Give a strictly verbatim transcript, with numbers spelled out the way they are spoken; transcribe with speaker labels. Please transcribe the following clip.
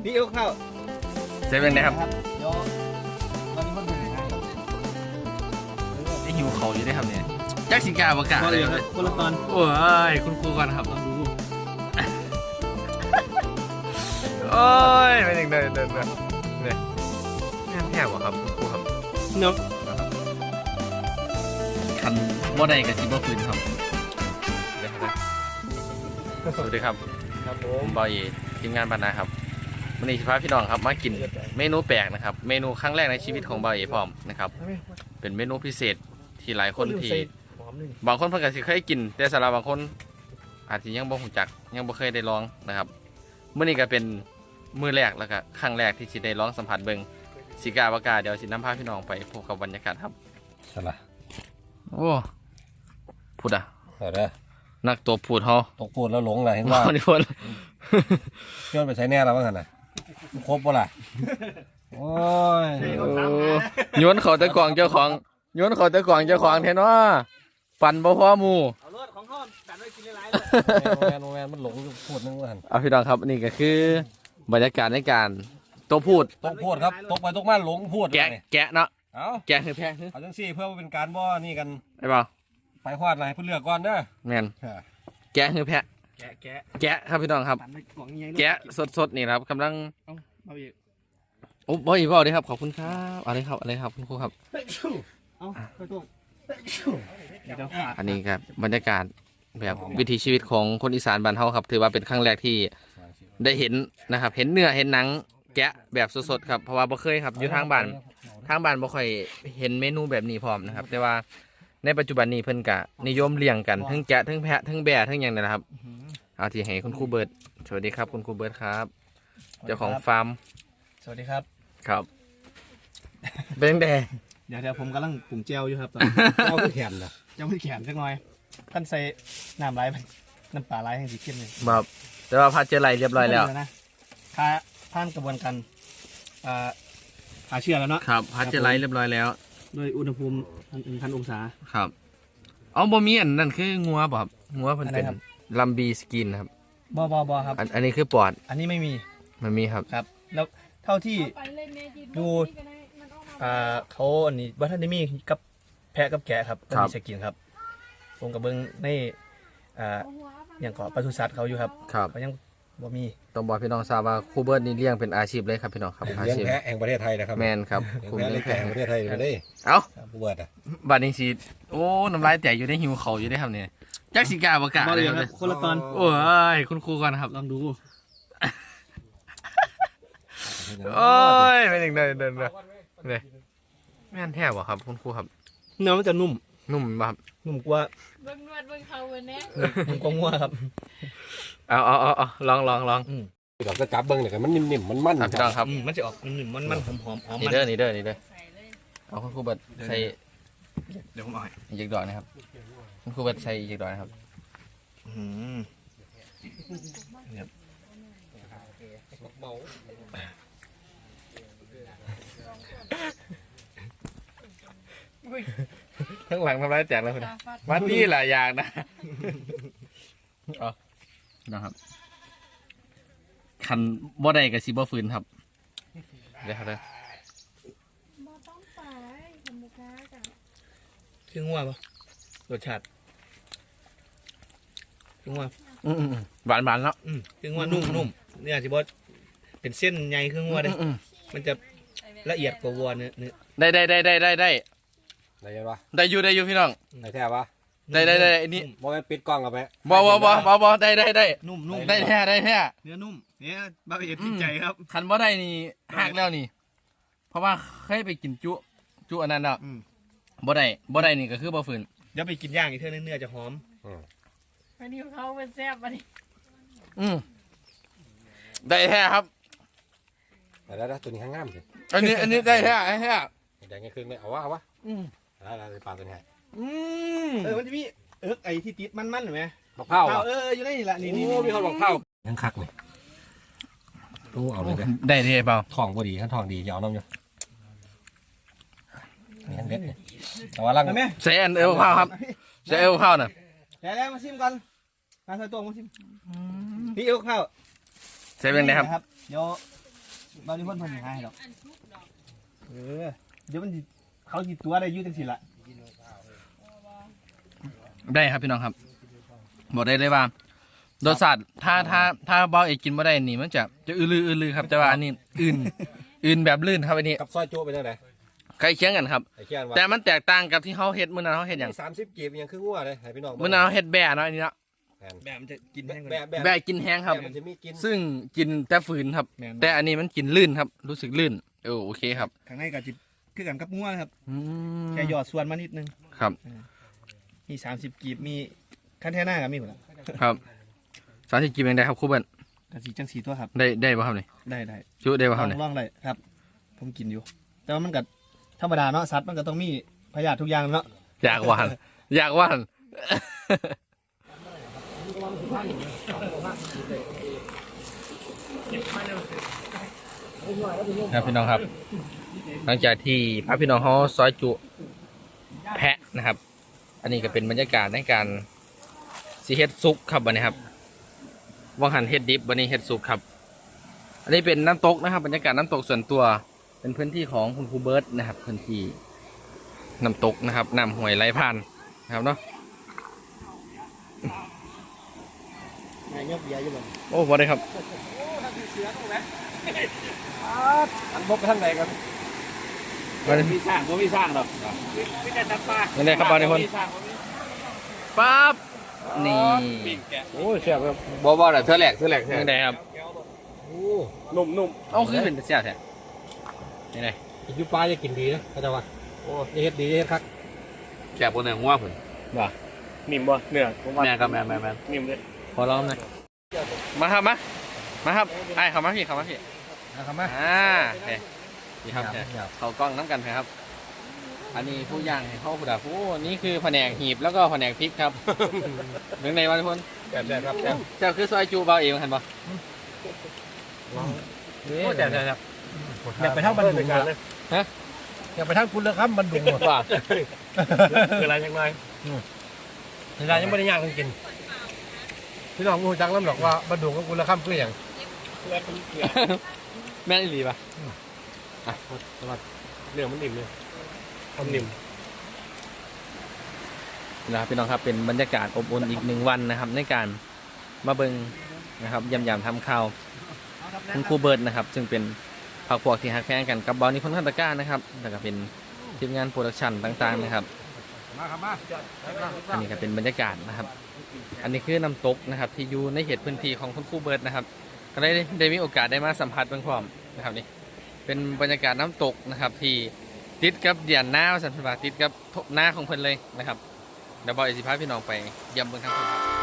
Speaker 1: พี่เอาข้าว
Speaker 2: เซเว่นนะครับ
Speaker 1: เดี๋ยวตอนนี้มันเป็นยังไงครับ
Speaker 2: ได้หิวเขาอยู่ได้ครับเนี่ยจักสิกาประกาศเลยครับ
Speaker 1: คนละตอน
Speaker 2: โอ้ยคุณครูก่อนครับโอ้ยเป็นอย่างเดินเดินเดินเนี่ยแง่แง่กว่าครับคุณครูครับ
Speaker 1: เนาะ
Speaker 2: คันว่าใดกับซิบฟืนครับสวัสดีครับ
Speaker 1: ครับผ
Speaker 2: มบอยทีมงานบรรณาครับวันนี้สิพาพี่น้องครับมากินเมนูแปลกนะครับเมนูครั้งแรกในชีวิตของบอยพร้อมนะครับเป็นเมนูพิเศษที่หลายคนที่บางคนเพิ่งจะเคยกินแต่สำหรับบางคนอาจจะยังบ่รู้จักยังบ่เคยได้ลองนะครับเมื่อนี้ก็เป็นมื้อแรกแล้วก็ครั้งแรกที่สิได้ลองสัมผัสเบิ่งสิกาบากาเดี๋ยวสินำพาพี่น้องไปพบกับบรรยากาศครับ
Speaker 3: สละ
Speaker 2: โอ้พูดอ่ะ
Speaker 3: เออเด้อ
Speaker 2: นักตัวพูดเฮา
Speaker 3: ตกพูดแล้วหลงเลยเห็นว่า
Speaker 2: นี่พูด
Speaker 3: ย้อนไปใช้แน่แล้วว่างั้นน่ะครบบ่ล่ะโอ้ย
Speaker 2: โยนเขาตะกวางเจ้าของโยนเขาตะกวางเจ้าของแทนว่าปั่นบ่พอหมู่
Speaker 1: เอารถของเขาตัดไว้กินหลาย
Speaker 3: ๆแมนแมนมันหลงพูดนึงว่าหั่น
Speaker 2: เอาพี่น้องครับนี่ก็คือบรรยากาศในการตัวพูด
Speaker 3: ตกพูดครับตกไปตกมาหลงพูด
Speaker 2: แกะแกะเนาะ
Speaker 3: เอา
Speaker 2: แกะคือแพะ
Speaker 3: เอาจังซี่เพื่อเป็นการบ่นี่กัน
Speaker 2: ไอ้เปล่า
Speaker 3: ไปควาดอะไรเพื่อเลือกก่อนเด้อ
Speaker 2: แม่นแกะคือแพะ
Speaker 1: แกะแกะ
Speaker 2: แกะครับพี่น้องครับแกะสดๆนี่ครับกำลังโอ้บ่อยบ่ดีครับขอบคุณครับอะไรครับอะไรครับคุณครูครับอันนี้ครับบรรยากาศแบบวิถีชีวิตของคนอีสานบ้านเฮาครับถือว่าเป็นครั้งแรกที่ได้เห็นนะครับเห็นเนื้อเห็นหนังแกะแบบสดๆครับเพราะว่าบ่เคยครับอยู่ทางบ้านทางบ้านบ่ค่อยเห็นเมนูแบบนี้พร้อมนะครับแต่ว่าในปัจจุบันนี้เพิ่นกะนิยมเลี้ยงกันทั้งแกะทั้งแพะทั้งแบะทั้งอย่างนั้นนะครับเอาที่ให้คุณครูเบิร์ดสวัสดีครับคุณครูเบิร์ดครับเจ้าของฟาร์ม
Speaker 1: สวัสดีครับ
Speaker 2: ครับเป็นแดง
Speaker 1: เดี๋ยวเดี๋ยวผมกำลังปรุงเจลอยู่ครับตอน
Speaker 3: เจ้าไม่แข็งนะ
Speaker 1: เจ้าไม่แข็งสักหน่อยท่านใส่น้ำไหลน้ำปลาไหลให้สีเข้มเลย
Speaker 2: ครับแต่ว่าพัดเจลไหลเรียบร้อยแล้ว
Speaker 1: นะถ้าผ่านกระบวนการหาเชื้อแล้วเนาะ
Speaker 2: ครับพัดเจลไหลเรียบร้อยแล้ว
Speaker 1: โดยอุณหภูมิหนึ่งพันองศา
Speaker 2: ครับเอาบะหมี่อันนั่นคืองัวบ่ครับงัวเพิ่นเป็นลัมบีสกินครับ
Speaker 1: บ่บ่บ่ครับ
Speaker 2: อันนี้คือปอด
Speaker 1: อันนี้ไม่มี
Speaker 2: มันมีครับ
Speaker 1: ครับแล้วเท่าที่ดูอ่าเขาอันนี้บัตรนิมีกับแพะกับแกะครับก็มีสกินครับผมกับเบิ้งในอ่าอย่างเกาะปศุสัตว์เขาอยู่ครับ
Speaker 2: ครับ
Speaker 1: เขายังบ่มี
Speaker 2: ต้องบอกพี่น้องทราบว่าครูเบิร์ดนี่เลี้ยงเป็นอาชีพเลยครับพี่น้องครับ
Speaker 3: อาชีพแพะแห่งประเทศไทยนะครับ
Speaker 2: แมนครับ
Speaker 3: ครูเลี้ยงแพะแห่งประเทศไทยไปได้
Speaker 2: เอ้า
Speaker 3: ครูเบิร์ดอ่ะ
Speaker 2: บัดนี้สิโอ้น้ำลายแตกอยู่ในหิวเขาอยู่ได้ครับเนี่ยจักสิกาประกาศ
Speaker 1: เลยครับคนละตอน
Speaker 2: โอ้ยคุณครูก่อนครับ
Speaker 1: ลองดู
Speaker 2: โอ้ยเป็นอย่างเดินเดินเลยเนี่ยแม่นแท้บ่ครับคุณครูครับ
Speaker 1: เนื้อมันจะนุ่ม
Speaker 2: นุ่มครับ
Speaker 1: นุ่มกว่า
Speaker 4: เบิ้งนวดเบิ้งเขาเว้ยเนี่ย
Speaker 1: นุ่มกว่างัวครับ
Speaker 2: เอาเอาเอาเอาลองลองลอง
Speaker 3: เราจะจับเบิ้งเนี่ยมันนิ่มๆมันมัน
Speaker 2: ครับ
Speaker 1: มันจะออกนิ่มมันมันหอมหอมหอม
Speaker 2: นี่เด้อนี่เด้อนี่เด้อเอาคุณครูเบิร์ดใส่
Speaker 1: เดี๋ยวผมเอา
Speaker 2: อีกดอกนะครับคุณครูเบิร์ดใส่อีกดอกนะครับ
Speaker 1: อืมเนี่ย
Speaker 2: ข้างหลังทำร้ายแจกแล้วคุณวัดนี่แหละอย่างนะอ๋อนะครับคันบ่ได้กับซีบ่ฟืนครับเดี๋ยวครับเด้อ
Speaker 4: บ่ต้องไปทำบุกาจ้ะ
Speaker 1: คืองัวปะรสชาติคืองัว
Speaker 2: หวานหวานแล้ว
Speaker 1: คืองัวนุ่มนุ่มเนี่ยสิบอสเป็นเส้นใหญ่คืองัวเลยมันจะละเอียดกว่าวัวเนื้อเนื้อ
Speaker 2: ได้ได้ได้ได้ได้ได้
Speaker 3: ได้ยังปะ
Speaker 2: ได้อยู่ได้อยู่พี่น้อง
Speaker 3: ได้แท้ปะ
Speaker 2: ได้ได้ได้อันนี้
Speaker 3: บอลปิดกล้องกับไป
Speaker 2: บอบอบอบอบอได้ได้ได้
Speaker 1: นุ่มนุ่ม
Speaker 2: ได้แท้ได้แท้
Speaker 1: เนื้อนุ่มเนี่ยบาเอียดติดใจครับ
Speaker 2: คันบ่ได้นี่หักแล้วนี่เพราะว่าเคยไปกินจุจุอันนั้นแล้วบ่ได้บ่ได้นี่ก็คือบ่ฝืน
Speaker 1: เดี๋ยวไปกินย่างอีกเท่านั้นเนื้อจะหอม
Speaker 4: วันนี้เขาเป็นแซ่บวันนี้
Speaker 2: อืมได้แท้ครับ
Speaker 3: แต่แล้วตัวนี้ข้างง่ามสิ
Speaker 2: อันนี้อันนี้ได้แท้ไอ้แท้
Speaker 3: แดงไงคืนเลยเอาวะเอาวะอืมแล้วอะไรปลาตัวนี้
Speaker 2: อืม
Speaker 1: เออมันจะมีเออไอ้ที่ติดมันมันหรือไง
Speaker 3: บักเผา
Speaker 1: เอออยู่ในนี่แหละนี่นี่
Speaker 3: มีคนบักเผายังคักเลยรู้เอาเลย
Speaker 2: ได้ได้เปล่า
Speaker 3: ทองพอดีขั้นทองดียาวน้ำอยู่ยังเด็ดเนี่ยแต่ว่าลัง
Speaker 2: ใส่อันเอวข้าวครับใส่เอวข้าวน่ะ
Speaker 1: เดี๋ยวมาชิมกันมาใส่ตัวมาชิมพี่เอวข้าว
Speaker 2: ใส่เป็นไงครับ
Speaker 1: เดี๋ยวบางทีคนเพิ่นให้หรอกเออเดี๋ยวมันสิเขาสิตัวได้อยู่จังซี่ล่ะ
Speaker 2: ได้ครับพี่น้องครับบอกได้เลยว่ารสชาติถ้าถ้าถ้าเบาเอกกินไม่ได้นี่มันจะจะอือลืออือลือครับแต่ว่าอันนี้อื่นอื่นแบบลื่นครับอันนี้
Speaker 3: กับซอยโจ้เป็นยังไง
Speaker 2: ใกล้เคียงกันครับ
Speaker 3: ไอ้เคียนว่า
Speaker 2: แต่มันแตกต่างกับที่เขาเฮ็ดมื้อนั้นเขาเฮ็ดอย่าง
Speaker 3: สามสิบกีบยังคืองัวเลยให้พี่น้อง
Speaker 2: มื้อนั้นเขาเฮ็ดแบะเนาะอันนี้เนาะ
Speaker 1: แบบมันจะกินแห้งกว่า
Speaker 3: แบ
Speaker 1: นี้
Speaker 3: บแบบ
Speaker 2: แบะกินแห้งครับ
Speaker 3: มันจะมีกิน
Speaker 2: ซึ่งกินแต่ฝืนครับ
Speaker 1: แม่น
Speaker 2: แต่อันนี้มันกินลื่นครับ รู้สึกลื่นเออโอเคครับ
Speaker 1: ข้างในก็จิคือกันกับงัวนะครับ
Speaker 2: อืม
Speaker 1: แค่หยอดส่วนมานิดนึง
Speaker 2: ครับ
Speaker 1: มีสามสิบกีบมีคันแท่หน้ากับมีหมดละ
Speaker 2: ครับสาธิตกินยังได้ครับครูเบิ้ล
Speaker 1: กะสีจังสีตัวครับ
Speaker 2: ได้ได้ป่ะครับนี่
Speaker 1: ได้ได้
Speaker 2: จุได้
Speaker 1: ล
Speaker 2: ป่ะค
Speaker 1: อ
Speaker 2: รับ
Speaker 1: ง
Speaker 2: นี่
Speaker 1: ลองเลยครับ ผมกินอยู่ แต่ว่ามันก็ธรรมดาเนาะสัตว์มันก็ต้องมีพยาธิทุกอย่างเนาะ
Speaker 2: อยากหวานอยากหวานครับพี่น้องครับ หลังจากที่พระพี่น้องเขาซอยจุแพะนะครับ อันนี้ก็เป็นบรรยากาศในการสีเฮ็ดซุกครับวันนี้ครับว่างหันเฮ็ดดิบวันนี้เฮ็ดซุกครับ อันนี้เป็นน้ำตกนะครับ บรรยากาศน้ำตกส่วนตัวเป็นพื้นที่ของคุณครูเบิร์ตนะครับพื้นที่น้ำตกนะครับน้ำห้วยไหลผ่านนะครับเนาะ
Speaker 1: นายยกเบียร์อยู่บ่
Speaker 2: โอ้พอได้ครับ
Speaker 3: อันบกไปทางไหนกัน
Speaker 2: มาเลย
Speaker 5: มีสร้างบ่มีสร้างหรอกมีแต่จับปลา
Speaker 2: มาเลยครับบอลในคน
Speaker 5: มีสร้างบ่มี
Speaker 2: ปั๊บนี่
Speaker 5: ปิ้งแกะ
Speaker 3: โอ้ยแซ่บครับ
Speaker 2: บอบอลเธอแหลกเธอแหลกเธอได้ครับ
Speaker 3: โอ้
Speaker 5: นุ่มนุ่ม
Speaker 2: เอ้าคือเป็นเสียแท้นี่ไง
Speaker 3: กินยูปลาจะกินดีนะเข้าใจว่าโอ้ยเฮ็ดดีเฮ็ดคัก
Speaker 5: แกะบนเนื้องัวเพิ่น
Speaker 2: ว่า
Speaker 5: นิ่มบ่เนื้อผมว่า
Speaker 2: แม่ครับแม่แม่แม่
Speaker 5: นิ่มเลย
Speaker 2: ขอร้องหน่อยมาครับมามาครับไอ้เข้ามาพี่เข้ามาพี่
Speaker 3: นะครับมา
Speaker 2: อ่าโอเคนี่ครับเนี่ยเขากล้องน้ำกันครับ อันนี้ผู้ย่างให้เข้าผู้ดาผู้นี่คือแผนกหีบแล้วก็แผนกพริกครับหนึ่งในวันทุกคน
Speaker 3: แบบแบบครับแบบ
Speaker 2: เจ้าคือซอยจูเบาเองเห็นปะ
Speaker 3: โอ้แซ่บแซ่บ
Speaker 1: อยากไปทางบันดุงเลย
Speaker 3: อยากไปทางคุณเลยครับมันดุง
Speaker 2: ว่า
Speaker 5: คืออะไรจังไง
Speaker 3: เวลายังไม่ได้ย่างกันกินพี่น้องรู้จักน้ำหรอกว่ามันดุงกับคุณละคำคืออย่าง
Speaker 2: แม่นอีหลีปะ
Speaker 5: เนื้อมันนิ่มเลยทำนิ่ม
Speaker 2: นะครับพี่น้องครับเป็นบรรยากาศอบอุ่นอีกหนึ่งวันนะครับ ในการมาเบิงนะครับยำยำทำข้าวคุณครูเบิร์ดนะครับ ซึ่งเป็นผักพวกที่ฮักแพงกันกับบอลนิพนธ์คันตะกร้านะครับแล้วก็เป็นทีมงานโปรดักชันต่างๆนะครับ
Speaker 3: มาครับมา
Speaker 2: อันนี้ก็เป็นบรรยากาศนะครับ อันนี้คือน้ำตกนะครับ ที่อยู่ในเขตพื้นที่ของคุณครูเบิร์ดนะครับ ก็ได้ได้มีโอกาสได้มาสัมผัสเบื้องความนะครับนี่เป็นบรรยากาศน้ำตกนะครับที่ติดกับเดียนหน้าสันติบาติดกับหน้าของเพิ่นเลยนะครับเดี๋ยวบอยสิพาพี่น้องไปเยี่ยมเบื้องทางเพิ่นครับ